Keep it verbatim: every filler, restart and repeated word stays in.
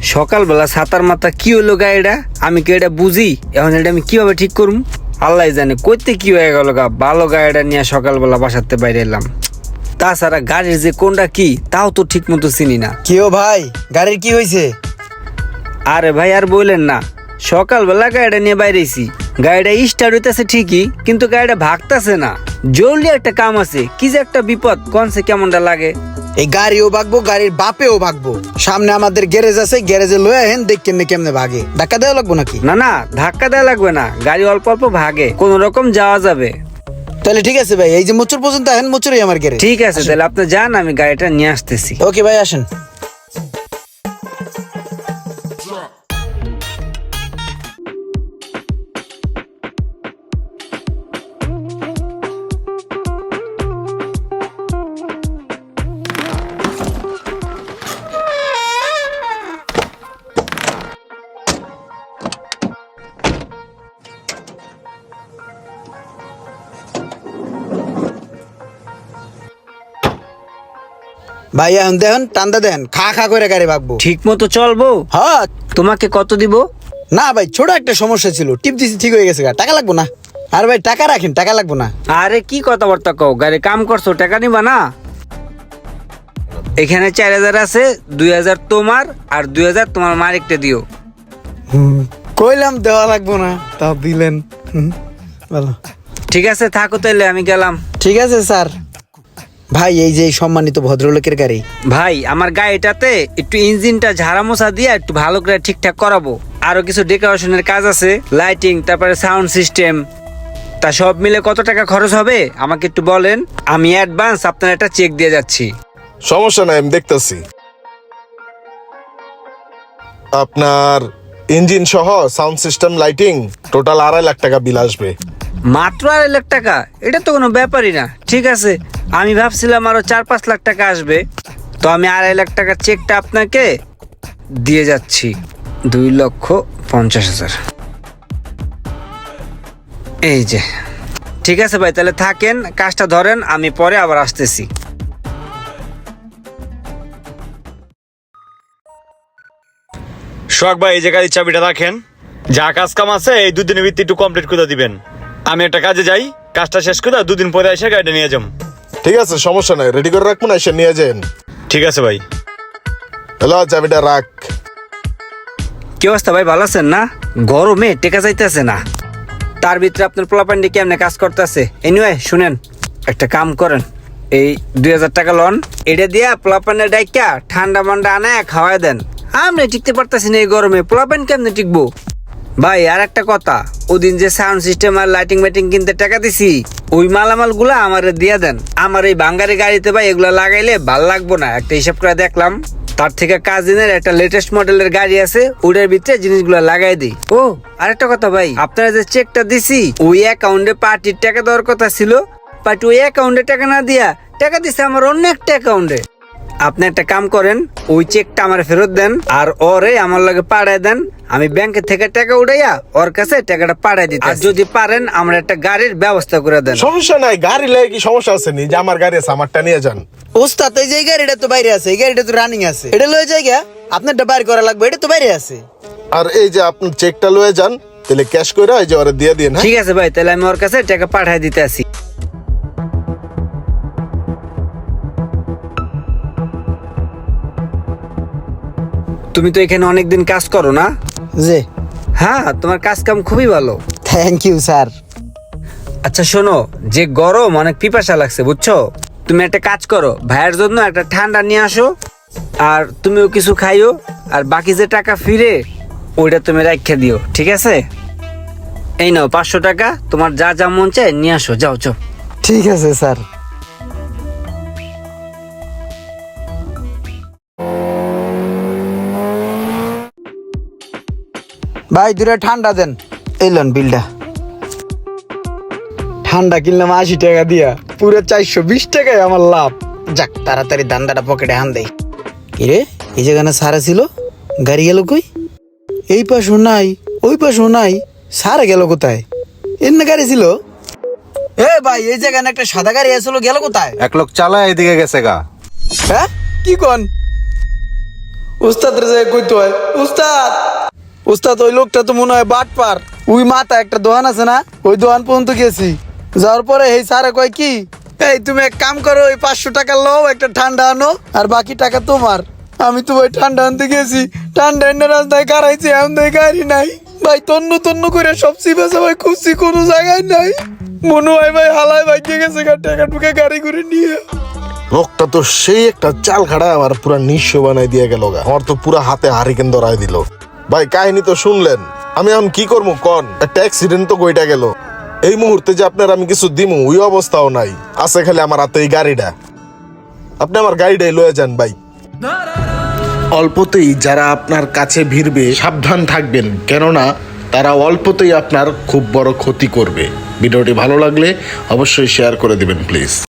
সকালবেলা ছাতার মাথা কি হলো গাড়িটা, আমি কি এটা বুঝি? এখন এটা আমি কিভাবে ঠিক করুম আল্লাহ জানে। কইতে কি হয়ে গেল গা, ভালো গাড়িটা নিয়ে সকালবেলা বাসাতে বাইরে এলাম। তাছাড়া গাড়ির যে কোনটা কি তাও তো ঠিক মতো চিনি না। কিও ভাই, গাড়ির কি হয়েছে? আরে ভাই আর বললেন না, সকালবেলা গাড়িটা নিয়ে বাইরেছি, গাড়িটা স্টার্ট হইতেছে ঠিকই কিন্তু গাড়িটা ভাগতেছে না। জলদি একটা কাম আছে, কি যে একটা বিপদ, কোনসে কেমনটা লাগে। এই গাড়িও ভাগবো, গাড়ির বাপেও ভাগবো। সামনে আমাদের গ্যারেজ আছে, গ্যারেজে লয়ে আহেন, দেখ কেমনে কেমনে ভাগে। ধাক্কা দেওয়া লাগবো নাকি? না না, ধাক্কা দেওয়া লাগবে না, গাড়ি অল্প অল্প ভাগে, কোন রকম যাওয়া যাবে। তাহলে ঠিক আছে ভাই, এই যে মুচুর পর্যন্ত আহেন, মুচুরই আমার গ্যারেজ। ঠিক আছে, তাহলে আপনি যান, আমি গাড়িটা নিয়ে আসতেছি। ওকে ভাই, আসেন। ভাই এখন দেখেন, টান্দা দেন, খা খা করে গাড়ি ভাগবো। ঠিক মতো চলবো? হ্যাঁ। তোমাকে কত দিব? না ভাই, ছোট একটা সমস্যা ছিল, টিপ দিছি, ঠিক হয়ে গেছে। টাকা লাগবো না। আর ভাই টাকা রাখেন, টাকা লাগবো না। আরে কি কথাবার্তা কও, গাড়ি কাম করছো, টাকা নিবা না? এখানে চার হাজার আছে, দুই হাজার তোমার আর দুই হাজার তোমার মালিকটা দিও। কইলাম দেওয়া লাগবো না, তা দিলেন। হুম, ভালো। ঠিক আছে, থাকো তাইলে, আমি গেলাম। ঠিক আছে স্যার। ভাই এই যে এই সম্মানিত ভদ্রলোকের গাড়ি। ভাই আমার গাড়িটাতে একটু ইঞ্জিনটা ঝাড়া মোছা দিয়ে একটু ভালো করে ঠিকঠাক করাবো, আরো কিছু ডেকোরেশনের কাজ আছে, লাইটিং, তারপরে সাউন্ড সিস্টেম। তা সব মিলে কত টাকা খরচ হবে আমাকে একটু বলেন, আমি অ্যাডভান্স আপনার একটা চেক দিয়ে যাচ্ছি। সমস্যা নাই, আমি দেখতেছি। আপনার ইঞ্জিন সহ সাউন্ড সিস্টেম, লাইটিং টোটাল আড়াই লাখ টাকা বিল আসবে। মাত্র আড়াই লাখ টাকা? এটা তো কোনো ব্যাপারই না। ঠিক আছে, আমি ভাবছিলাম আরো চার পাঁচ লাখ টাকা আসবে। তো আমি আড়াই লাখ টাকার চেকটা আপনাকে দিয়ে যাচ্ছি, দুই লক্ষ পঞ্চাশ হাজার। এই যে। ঠিক আছে ভাই, তাহলে থাকেন, কাজটা ধরেন, আমি পরে আবার আসতেছি। সোহাগ ভাই, এই যে গাড়ির চাবিটা রাখেন, যা কাজ কাম আছে এই দুদিনের ভিত্তি একটু কমপ্লিট করে দিবেন। আমি একটা কাজে যাই, কাজটা শেষ করে দুদিন পরে এসে গাড়িটা নিয়ে যাম। ঠিক আছে, সমস্যা নাই, রেডি করে রাখবো না, এসে নিয়ে যান। ঠিক আছে ভাই। হ্যালো, চাবিটা রাখ। কি অবস্থা ভাই, ভালো আছেন না? গরমে টেকা যাইতেছে না, তার ভিতরে আপনার পোলাপান্ডি কেমনে কাজ করতেছে। এনিওয়ে শুনেন, একটা কাম করেন, এই দুই হাজার টাকা লোন, এটা দিয়া পোলাপান্ডে ডাইকা ঠান্ডা মান্ডা আনায় খাওয়াই দেন। আমরা টিকতে পারতেছি না এই গরমে, পোলাপান কেমনে টিকবো? ভাই আর একটা কথা, ওদিন যে সাউন্ড সিস্টেম আর লাইটিং মাইটিং কিনতে টাকা দিছি, ওই মালামাল গুলা আমার দিয়া দেন। আমার এই বাঙ্গারি গাড়িতে ভাই এগুলা লাগাইলে ভাল লাগবো না, একটা হিসাব করে দেখলাম। তার থেকে কাজিনের একটা লেটেস্ট মডেলের গাড়ি আছে, ওটার ভিতরে জিনিসগুলো লাগাই দিই। ও আরেকটা কথা ভাই, আপনারা যে চেকটা দিছি ওই অ্যাকাউন্টে পার্টির টাকা দেওয়ার কথা ছিল, পার্টি ওই অ্যাকাউন্টে টাকা না দিয়া টাকা দিছে আমার অন্য একটা অ্যাকাউন্টে। আপনি একটা কাম করেন, ওই চেকটা আমার ফেরত দেন আর ওরে আমার লগে পাঠায় দেন, আমি ব্যাংকের থেকে টাকা উঠাইয়া ওর কাছে টাকাটা পাঠাই দিতে। আর যদি পারেন আমার একটা গাড়ির ব্যবস্থা করে দেন। সমস্যা নাই, গাড়ি লেগে কি সমস্যা আছে? নি যে আমার গাড়ি আছে, আমারটা নিয়ে যান। ওস্তাদ, এই যে এই গাড়িটা তো বাইরে আছে, এই গাড়িটা তো রানিং আছে, এটা লয়ে জায়গা আপনারটা বাইর করা লাগবে, এটা তো বাইরে আছে। আর এই যে আপনি চেকটা লয়ে যান, তাহলে ক্যাশ করে এই যে ওরে দিয়ে দিন। হ্যাঁ ঠিক আছে ভাই, তাহলে আমি ওর কাছে টাকা পাঠাই দিতে আসি। তুমি তো এখানে অনেকদিন কাজ করো না? জি। হ্যাঁ, তোমার কাজ কাম খুবই ভালো। Thank you sir. আচ্ছা শোনো, যে গরম অনেক পিপাসা লাগছে বুঝছো, তুমি একটা কাজ করো, ভাইয়ের জন্য একটা ঠান্ডা নিয়ে আসো, আর তুমিও কিছু খাইও, আর বাকি যে টাকা ফিরে ওইটা তুমি রাখা দিও, ঠিক আছে? এই নাও পাঁচশো টাকা, তোমার যা যা মন চায় নিয়ে আসো, যাও যাও। ঠিক আছে স্যার। ভাই দূরে ঠান্ডা দেন, এলেন বিলটা। ঠান্ডা কিনলাম আশি টাকা দিয়া, পুরো চারশো বিশ টাকায় আমার লাভ। যাক, তাড়াতাড়ি দান্দাটা পকেটে হান দেই। কিরে, এই জায়গানা সারা ছিল, গাড়ি গেল কই? এই পাশও নাই, ওই পাশও নাই, সারা গেল কোথায়? এর না গাড়ি ছিল। এ ভাই, এই জায়গায় একটা সাদা গাড়ি আসলো, গেল কোথায়? এক লোক চালায় এদিকে গেছে গা। হ্যাঁ, কি কোন? ও উস্তাদের যায় কইতে হয় উস্তাদ উস্তাদ ওই লোকটা তো মনে হয় বাটপার ওই মাথা একটা দোকান আছে না ওই দোকান পর্যন্ত গেছি যাওয়ার পরে এই স্যারে কয় কি এই তুমি এক কাম করো ওই পাঁচশো টাকা লও একটা ঠান্ডা আনো আর বাকি টাকা তোমার আমি তো ভাই ঠান্ডা আনতে গেছি ঠান্ডা এনে রাস্তায় গাড়াইছি এমন দেয় গাড়ি নাই ভাই তন্ন তন্ন করে সব সিবেছে ভাই খুঁজছি কোনো জায়গায় নাই মনে হয় ভাই হালায় ভাই দিয়ে গেছে টাকা টুকে গাড়ি করে নিয়ে লোকটা তো সেই একটা চাল খাড়া আমার পুরা নিঃস্ব বানাই দিয়ে গেল গা আমার তো পুরা হাতে হারিকেন ধরাই দিল ভাই কাহিনী তো শুনলেন আমি এখন কি করবো কন একটা অ্যাক্সিডেন্ট তো গইটা গেল এই মুহূর্তে যে আপনার আমি কিছু দিমু ওই অবস্থাও নাই আছে খালি আমার হাতে এই গাড়িটা আপনি আমার গাড়িটাই লয়ে যান ভাই অল্পতেই যারা আপনার কাছে ভিড়বে সাবধান থাকবেন, কেননা তারা অল্পতেই আপনার খুব বড় ক্ষতি করবে। ভিডিওটি ভালো লাগলে অবশ্যই শেয়ার করে দিবেন প্লিজ।